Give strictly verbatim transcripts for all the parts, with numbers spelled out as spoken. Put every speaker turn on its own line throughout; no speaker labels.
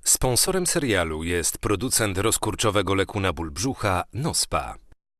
Sponsorem serialu jest producent rozkurczowego leku na ból brzucha Nospa.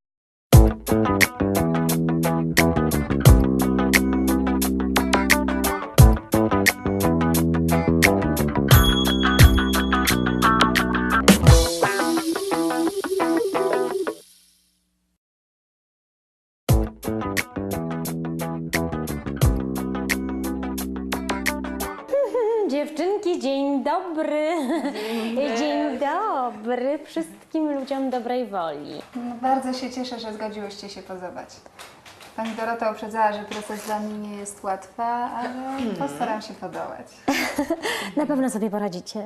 Dziewczynki, dzień dobry. Dzień, dzień dobry wszystkim ludziom dobrej woli.
No, bardzo się cieszę, że zgodziłyście się pozować. Pani Dorota uprzedzała, że proces dla mnie nie jest łatwy, ale postaram się podołać.
Na pewno sobie poradzicie.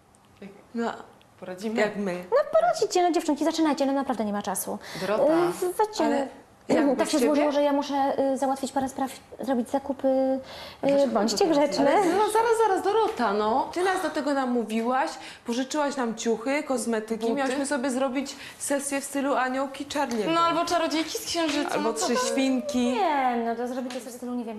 No, poradzimy jak my.
No poradzicie, no dziewczynki, zaczynajcie, no naprawdę nie ma czasu.
Dorota,
Y, Weźcie.
ale jak
Tak
bez
się
ciebie?
złożyło, że ja muszę y, załatwić parę spraw, zrobić zakupy. Y, bądźcie grzeczne.
No zaraz, zaraz, Dorota, no. Ty nas do tego namówiłaś, pożyczyłaś nam ciuchy, kosmetyki,
Buty?
miałyśmy sobie zrobić sesję w stylu aniołki Charlie'ego.
No albo czarodziejki z księżyca.
Albo
no co
trzy
tam?
świnki.
Nie, no to zrobicie sobie stylu, nie wiem,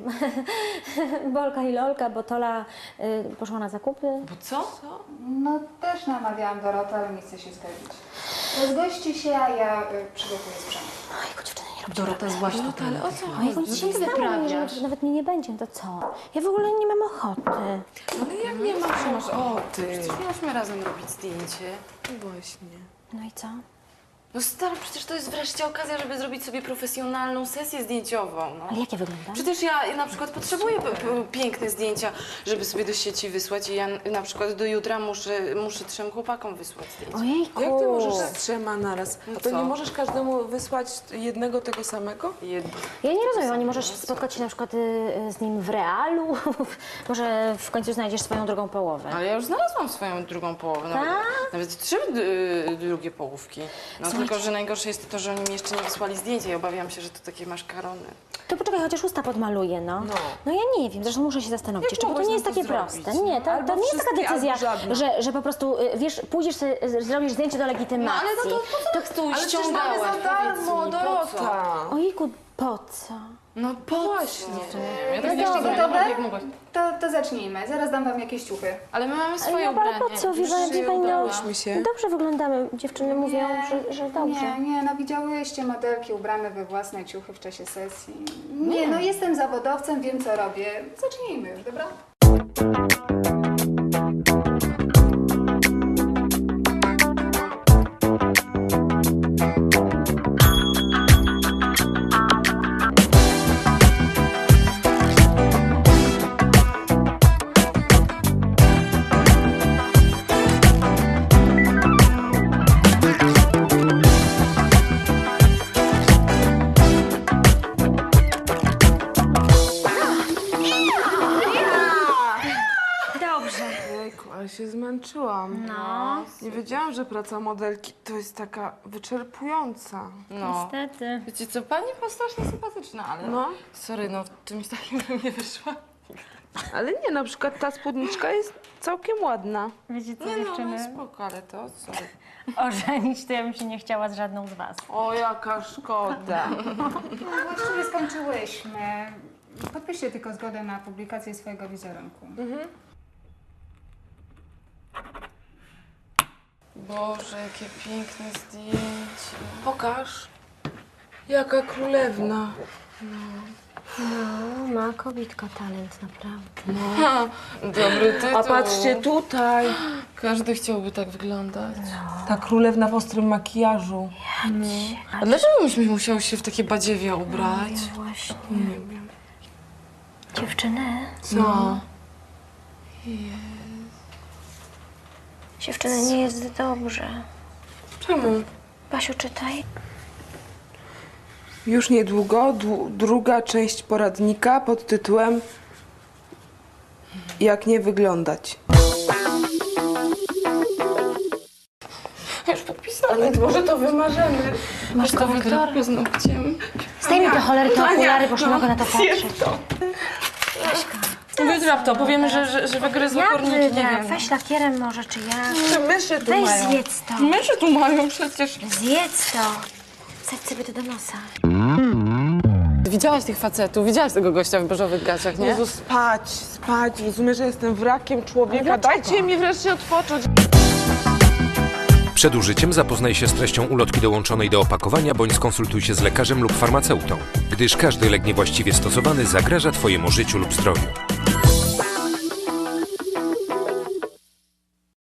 Bolka i Lolka, bo Tola y, poszła na zakupy.
Bo co?
No też namawiałam Dorotę, ale nie chce się zgodzić. Rozgoście się, a ja y, przygotuję sprzęt.
Ojku, dziewczyny, nie róbcie.
Dorota, złaś to
ale o co
Ojku,
chodzi?
dzisiaj
ty
nie
wyprawiasz?
wyprawiasz. Nawet mnie nie będzie, to co? Ja w ogóle nie mam ochoty.
Ale jak nie masz ochoty?
Przecież miałyśmy razem robić zdjęcie.
No właśnie.
No i co?
No stary, przecież to jest wreszcie okazja, żeby zrobić sobie profesjonalną sesję zdjęciową, no.
Ale jak ja wyglądam?
Przecież ja na przykład potrzebuję p- p- piękne zdjęcia, żeby sobie do sieci wysłać i ja na przykład do jutra muszę, muszę trzem chłopakom wysłać zdjęcia.
Ojejku.
Jak ty możesz z trzema naraz? A to
co?
nie możesz każdemu wysłać jednego tego samego?
Jedno.
Ja nie rozumiem, a nie możesz spotkać się na przykład y, y, z nim w realu? Może w końcu znajdziesz swoją drugą połowę.
Ale ja już znalazłam swoją drugą połowę, nawet,
Tak?
nawet trzy y, drugie połówki. No tylko, że najgorsze jest to, że oni mi jeszcze nie wysłali zdjęcia i obawiam się, że to takie maszkarony.
To poczekaj, chociaż usta podmaluję, no.
No.
No ja nie wiem, zresztą muszę się zastanowić
Jak
jeszcze, bo to
mogłaś
nie jest
nam to
takie
zrobić?
proste. Nie, to,
Albo
to nie jest taka
wszystkie,
decyzja,
albo żadna.
że, że po prostu, y, wiesz, pójdziesz, sobie, y, zrobisz zdjęcie do legitymacji.
No ale no to po co tu
Ale przecież mamy
ściągałaś?
za darmo,
Powiedz mi, po co?
Dorota.
Ojejku, po co?
No po
Właśnie.
co? Ja
No
tak jeszcze
dobra,
nie
dobra.
wiem, jak mogłaś.
To, to zacznijmy. Zaraz dam wam jakieś ciuchy.
Ale my mamy
Ale
swoje
no, ale
ubranie.
po co? Wie pani, wie pani, no,
udałyśmy się.
dobrze wyglądamy. Dziewczyny mówią, że, że dobrze.
Nie, nie, no widziałyście modelki ubrane we własne ciuchy w czasie sesji. Nie, no jestem zawodowcem, wiem co robię. Zacznijmy już, dobra?
Dobrze.
Jejku, ale się zmęczyłam.
No.
Nie wiedziałam, że praca modelki to jest taka wyczerpująca.
No.
Niestety.
Wiecie co, pani była strasznie sympatyczna, ale
No.
sorry, no czymś takim bym nie wyszła.
Ale nie, na przykład ta spódniczka jest całkiem ładna.
Wiecie co,
Nie no,
dziewczyny?
no spoko, ale to sorry.
Ożenić to ja bym się nie chciała z żadną z was.
O, jaka szkoda.
No właściwie skończyłyśmy. Podpiszcie tylko zgodę na publikację swojego wizerunku.
Boże, jakie piękne zdjęcie.
Pokaż. Jaka królewna.
No, ma kobitka talent, naprawdę.
Ha, dobry tytuł.
A patrzcie tutaj.
Każdy chciałby tak wyglądać.
Ta królewna w ostrym makijażu.
A dlaczego myśmy musiały się w takie badziewie ubrać?
Właśnie. Nie wiem. Dziewczyny,
Co?
dziewczyny, nie jest dobrze.
Czemu?
Basiu, czytaj.
Już niedługo dłu- druga część poradnika pod tytułem Jak nie wyglądać.
Już podpisałam. Może to wymarzymy.
Masz
to
korrektor?
wygra paznokciem.
Zdejmij te cholery, te okulary, bo już nie mogę na to patrzeć.
to. Wygra to. Powiemy, że, że, że wygryzły
Ja
korniki, nie
wygram.
wiem.
Weź lakierem może, czy ja.
Czy myszy tu
Weź
mają?
zjedz to.
Myszy tu mają przecież.
Zjedz to. Wsadź sobie to do nosa.
widziałaś tych facetów, widziałaś tego gościa w beżowych gaciach, nie?
Jezu, spać, spać. Rozumiesz, że jestem wrakiem człowieka. Dajcie mi wreszcie odpocząć.
Przed użyciem zapoznaj się z treścią ulotki dołączonej do opakowania bądź skonsultuj się z lekarzem lub farmaceutą, gdyż każdy lek niewłaściwie stosowany zagraża Twojemu życiu lub zdrowiu.